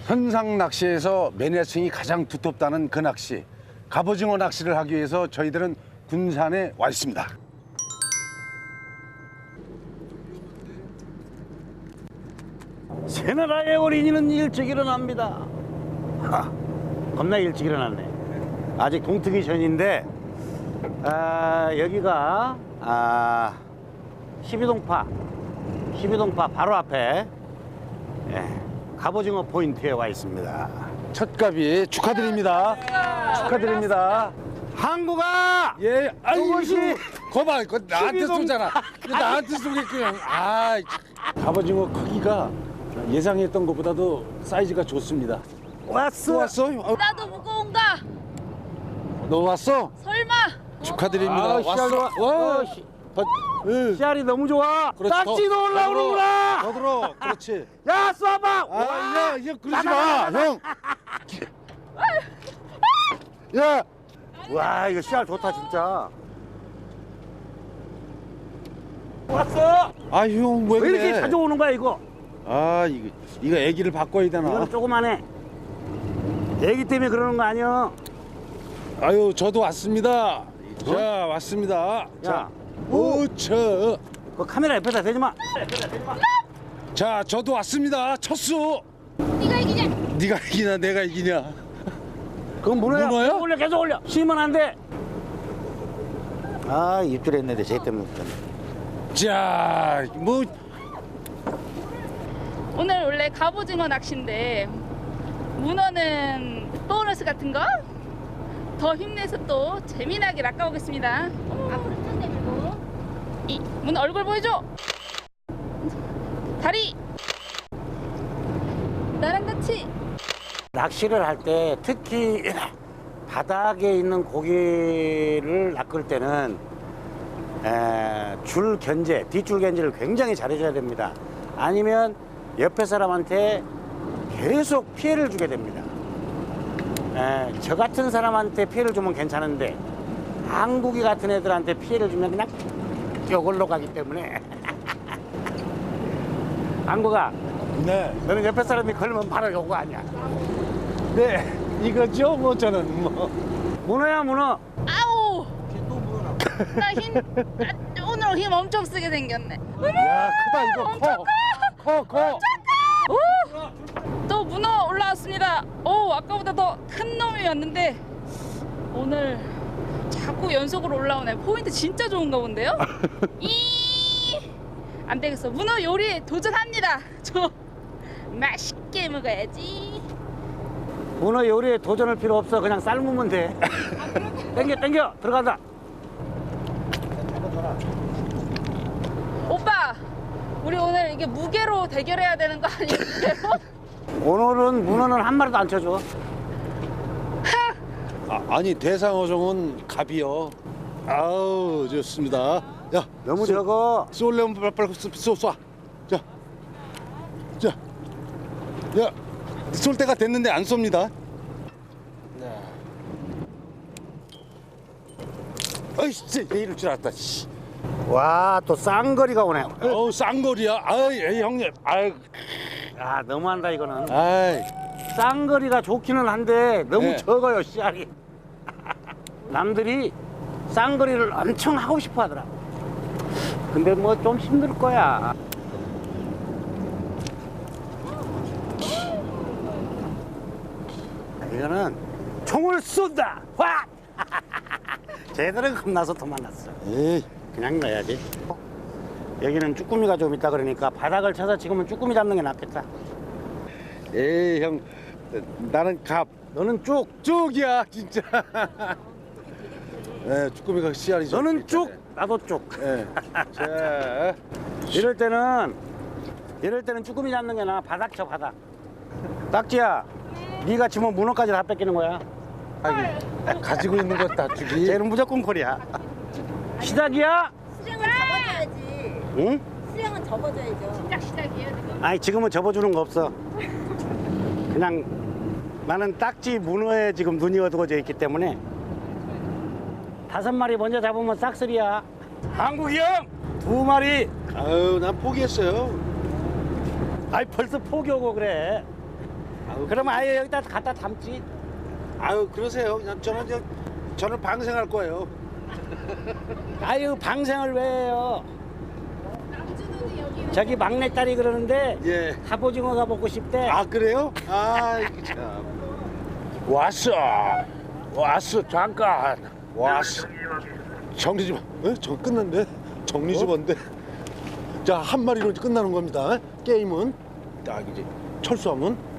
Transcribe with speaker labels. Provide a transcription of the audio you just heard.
Speaker 1: 현상 낚시에서 매니아층이 가장 두텁다는 그 낚시, 갑오징어 낚시를 하기 위해서 저희들은 군산에 와 있습니다.
Speaker 2: 새나라의 어린이는 일찍 일어납니다. 겁나 일찍 일어났네. 아직 동트기 전인데 여기가 12동파 바로 앞에 갑오징어 포인트에 와 있습니다.
Speaker 1: 첫 갑이 축하드립니다. 축하드립니다.
Speaker 2: 항구가
Speaker 1: 예,
Speaker 2: 그것이
Speaker 1: 거봐, 그거 나한테
Speaker 2: 12동
Speaker 1: 쏘잖아. 이거 나한테 쏘겠구나. 갑오징어 크기가 예상했던 것보다도 사이즈가 좋습니다.
Speaker 2: 왔어.
Speaker 1: 또 왔어?
Speaker 3: 나도 무거운가?
Speaker 1: 너 왔어?
Speaker 3: 설마?
Speaker 1: 축하드립니다.
Speaker 2: 씨알도
Speaker 1: 와.
Speaker 2: 씨알이 너무 좋아.
Speaker 1: 그렇지,
Speaker 2: 딱지도 올라오는구나.
Speaker 1: 더 들어. 그렇지.
Speaker 2: 야 쏴봐.
Speaker 1: 야, 그러지 마, 형. 야,
Speaker 2: 와 이거 씨알 좋다 진짜. 왔어.
Speaker 1: 형, 왜
Speaker 2: 왜
Speaker 1: 그래?
Speaker 2: 이렇게 자주 오는 거야 이거?
Speaker 1: 이거 애기를 바꿔야 되나?
Speaker 2: 이거는 조그만해. 애기 때문에 그러는 거 아니야?
Speaker 1: 저도 왔습니다. 자, 왔습니다. 자, 오차.
Speaker 2: 그 카메라 옆에다 대지 마.
Speaker 1: 자, 저도 왔습니다. 첫수.
Speaker 3: 네가 이기냐?
Speaker 1: 네가 이기냐, 내가 이기냐?
Speaker 2: 그건 문어야.
Speaker 1: 문어야?
Speaker 2: 계속 올려 계속 올려. 쉬면 안 돼. 입질에 했는데 쟤 때문에.
Speaker 1: 자,
Speaker 3: 오늘 원래 갑오징어 낚시인데 문어는 보너스 같은 거? 더 힘내서 또 재미나게 낚아보겠습니다. 앞으로 좀 내밀고 이 문어 얼굴 보여줘. 다리 나랑 같이.
Speaker 2: 낚시를 할 때 특히 바닥에 있는 고기를 낚을 때는 줄 견제, 뒷줄 견제를 굉장히 잘해줘야 됩니다. 아니면 옆에 사람한테 계속 피해를 주게 됩니다. 저 같은 사람한테 피해를 주면 괜찮은데 한국이 같은 애들한테 피해를 주면 그냥 이걸로 가기 때문에 한국아,
Speaker 1: 네,
Speaker 2: 너는 옆에 사람이 걸면 바로 요거 아니야.
Speaker 1: 네, 이거죠, 저는
Speaker 2: 문어야 문어.
Speaker 3: 아우. 나 오늘 힘 엄청 쓰게 생겼네.
Speaker 1: 야, 크다 이거. 커.
Speaker 3: 또 문어 올라왔습니다. 아까보다 더 큰 놈이 왔는데 오늘 자꾸 연속으로 올라오네. 포인트 진짜 좋은가 본데요? 안 되겠어. 문어 요리 도전합니다. 저 맛있게 먹어야지.
Speaker 2: 문어 요리에 도전할 필요 없어. 그냥 삶으면 돼. 땡겨 들어간다.
Speaker 3: 오빠, 우리 오늘 이게 무게로 대결해야 되는 거 아니에요? 무게로?
Speaker 2: 오늘은 문어는 한 마리도 안 쳐줘.
Speaker 1: 아니 대상어종은 갑이요. 아우 좋습니다. 야,
Speaker 2: 너무 적어.
Speaker 1: 쏠려면 빨리 쏴. 야, 쏠 때가 됐는데 안 쏩니다. 어이씨, 내 이럴 줄 알았다. 씨.
Speaker 2: 와, 또 쌍거리가 오네.
Speaker 1: 쌍거리야. 아이, 형님.
Speaker 2: 야, 너무한다 이거는.
Speaker 1: 아이.
Speaker 2: 쌍거리가 좋기는 한데 너무
Speaker 1: 네.
Speaker 2: 적어요 씨알이. 남들이 쌍거리를 엄청 하고 싶어 하더라. 근데 뭐 좀 힘들 거야. 이거는 총을 쏜다. 와! 쟤들은 겁나서 도망갔어.
Speaker 1: 에이.
Speaker 2: 그냥 넣어야지. 여기는 쭈꾸미가 좀 있다 그러니까 바닥을 쳐서 지금은 쭈꾸미 잡는 게 낫겠다.
Speaker 1: 에이, 형. 나는 갑.
Speaker 2: 너는 쭉.
Speaker 1: 쭉이야, 진짜. 네, 쭈꾸미가 씨알이죠.
Speaker 2: 너는 쭉. 나도 쭉.
Speaker 1: 네. 자.
Speaker 2: 이럴 때는 쭈꾸미 잡는 게 나아. 바닥 쳐 바닥. 딱지야, 네가 치면 문어까지 다 뺏기는 거야.
Speaker 1: 가지고 있는 거 다 주기.
Speaker 2: 쟤는 무조건 콜이야. 시작이야?
Speaker 4: 수량은 접어줘야지.
Speaker 2: 응?
Speaker 4: 수량은 접어줘야죠.
Speaker 3: 시작 시작이에요 지금.
Speaker 2: 아니 지금은 접어주는 거 없어. 그냥 나는 딱지 문어에 지금 눈이 어두워져 있기 때문에 5마리 먼저 잡으면 싹쓸이야. 한국이 형 2마리.
Speaker 1: 아유, 난 포기했어요.
Speaker 2: 아이 벌써 포기하고 그래. 그러면 아예 여기다 갖다 담지.
Speaker 1: 아유 그러세요. 저는 방생할 거예요.
Speaker 2: 아유 방생을 왜 해요? 저기 막내딸이 그러는데
Speaker 1: 예.
Speaker 2: 갑오징어가 먹고 싶대.
Speaker 1: 아 그래요? 아 참. 왔어 잠깐 왔어. 정리 좀. 저 끝났는데 정리 좀 한데. 자 한 마리로 끝나는 겁니다. 게임은 딱 이제 철수하면